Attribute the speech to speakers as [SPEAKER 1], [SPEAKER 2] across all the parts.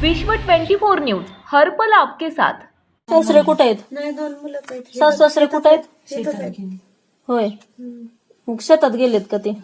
[SPEAKER 1] विश्व 24 न्यूज हरपल आपके साथ।
[SPEAKER 2] सासरे कुठे आहेत?
[SPEAKER 3] नाही, 2 मुलं आहेत.
[SPEAKER 2] सासू सासरे कुठे आहेत?
[SPEAKER 3] शेतात आहेत.
[SPEAKER 2] होय, मग शेतात गेलेत का ते?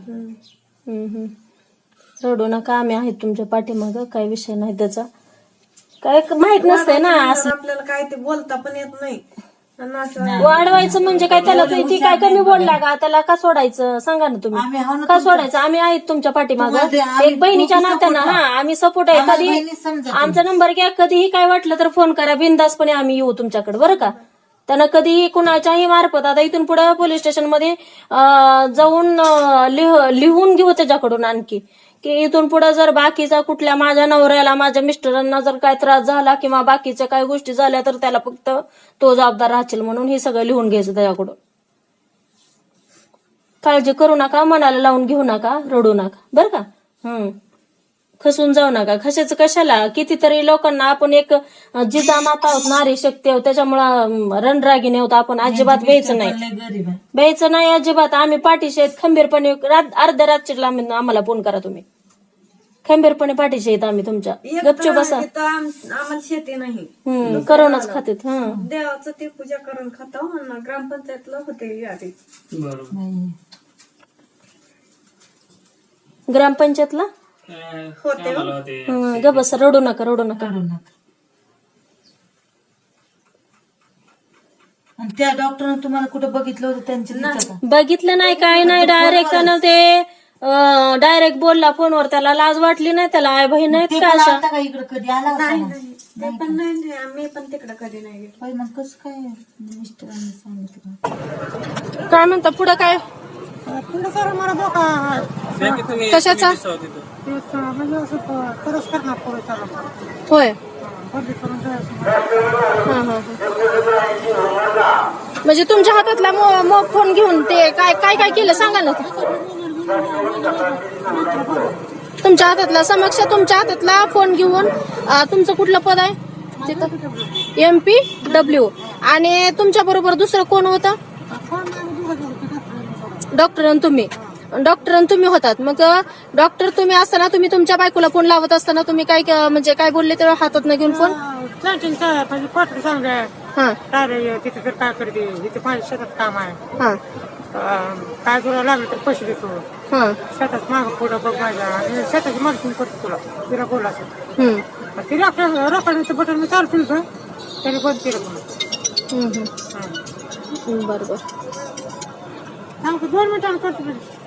[SPEAKER 2] रडू नका, आम्ही आहेत तुमच्या पाठीमागं, काही विषय नाही त्याचा. काय माहित नसतंय ना असं,
[SPEAKER 3] आपल्याला काय ते बोलता पण येत नाही. आणि असं
[SPEAKER 2] वाढवायचं म्हणजे काय? त्याला ती काय कमी बोलला का? त्याला का सोडायचं सांगा ना तुम्ही, का सोडायचं? आम्ही आहेत तुमच्या पाठीमागं, एक बहिणीच्या नात्यानं. हा, आम्ही सपोर्ट आहे. कधी आमचा नंबर घ्या, कधीही काय वाटलं तर फोन करा, बिनधास्तपणे आम्ही येऊ तुमच्याकडे, बरं का? त्यांना कधीही कुणाच्याही मार्फत, आता इथून पुढे पोलीस स्टेशन मध्ये जाऊन लिहून घेऊ त्याच्याकडून आणखी, की इथून पुढे जर बाकीचा कुठल्या माझ्या नवऱ्याला, माझ्या मिस्टरांना जर काय त्रास झाला किंवा बाकीच्या काही गोष्टी झाल्या तर त्याला फक्त तो जबाबदार राहतील, म्हणून हे सगळं लिहून घ्यायचं त्याच्याकडून. काळजी करू नका, मनाला लावून घेऊ नका, रडू नका, बरं का? खसून जाऊ नका. खशाचं कशाला? कितीतरी लोकांना आपण एक जिजामाता आहोत, नारी शक्ती आहोत, त्याच्यामुळं रणरागिणी आहोत आपण. अजिबात द्यायचं नाही अजिबात. आम्ही पाठीशी आहेत खंबीरपणे. अर्ध्या रात्रीला आम्हाला फोन करा तुम्ही, खंबीरपणे पाठीशी आहेत आम्ही तुमच्या. गपचूप बसा.
[SPEAKER 3] आम्हाला शेती नाही,
[SPEAKER 2] करोनाच खातेत.
[SPEAKER 3] देवाचं ते पूजा करून खातो. ग्रामपंचायतला होते यादी.
[SPEAKER 2] ग्रामपंचायतला
[SPEAKER 3] होते.
[SPEAKER 2] ग बस, रडू नका.
[SPEAKER 4] आणि त्या डॉक्टरने तुम्हाला कुठं बघितलं होतं? त्यांच्या
[SPEAKER 2] बघितलं नाही, काय नाही. डायरेक्ट बोलला फोनवर. त्याला लाज वाटली नाही? त्याला आई बहीण नाहीत का अशा?
[SPEAKER 4] का इकडे कधी आला होता?
[SPEAKER 3] ते पण नाही, आम्ही पण तिकडे कधी नाही गेलो.
[SPEAKER 4] मग कसं काय मिस्टरांनी सांगितलं?
[SPEAKER 2] काय म्हणता पुढं? काय
[SPEAKER 3] पुढे सर मला धोका
[SPEAKER 2] कशाचा?
[SPEAKER 3] म्हणजे असं तरच करणार पुढे चालू
[SPEAKER 2] होय. म्हणजे तुमच्या हातातला फोन घेऊन ते काय काय काय केलं सांगा ना. तुमच्या हातातला समक्ष, तुमच्या हातातला फोन घेऊन तुमचं कुठलं पद आहे तिथं? MPW. आणि तुमच्या बरोबर दुसरं कोण होतं? डॉक्टर आणि तुम्ही होतात. मग डॉक्टर तुम्ही असताना, तुम्ही तुमच्या बायकोला फोन लावत असताना तुम्ही काय म्हणजे काय बोलले तेव्हा हातात न घेऊन फोन?
[SPEAKER 3] तिथे काय करते, इथे माझ्या शेतात काम आहे,
[SPEAKER 2] हा,
[SPEAKER 3] काय तुला लागलं तर पैसे देतो,
[SPEAKER 2] हा,
[SPEAKER 3] शेतात माग पुढं बघ माझ्या, आणि शेताची मार्किंग करतो तुला, तिला बोलायचं. तिने आपल्या रोखाण्याचं बटन मी चालू केलं, त्याने बंद केलं.
[SPEAKER 2] बरोबर.
[SPEAKER 3] 2 मिनिटांनी करतो.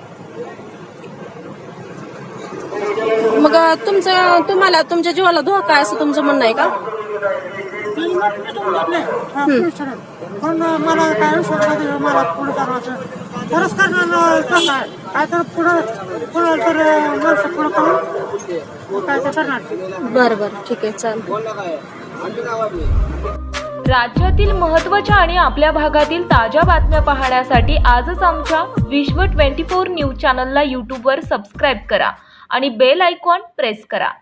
[SPEAKER 2] मग तुम्हाला तुमच्या जीवाला धोका आहे असं तुमचं म्हणणं आहे का?
[SPEAKER 3] पण मला काय मला पुढे जाणं खरंच करणार काय तर पुढं तर माणसं पुढं करून काय तर करणार.
[SPEAKER 2] बरं ठीक आहे, चालेल.
[SPEAKER 1] राज्यातील महत्त्वाच्या आणि आपल्या भागातील ताज्या बातम्या पाहण्यासाठी आजच आमच्या विश्व 24 न्यूज चॅनलला यूट्यूबवर सबस्क्राईब करा आणि बेल आयकॉन प्रेस करा.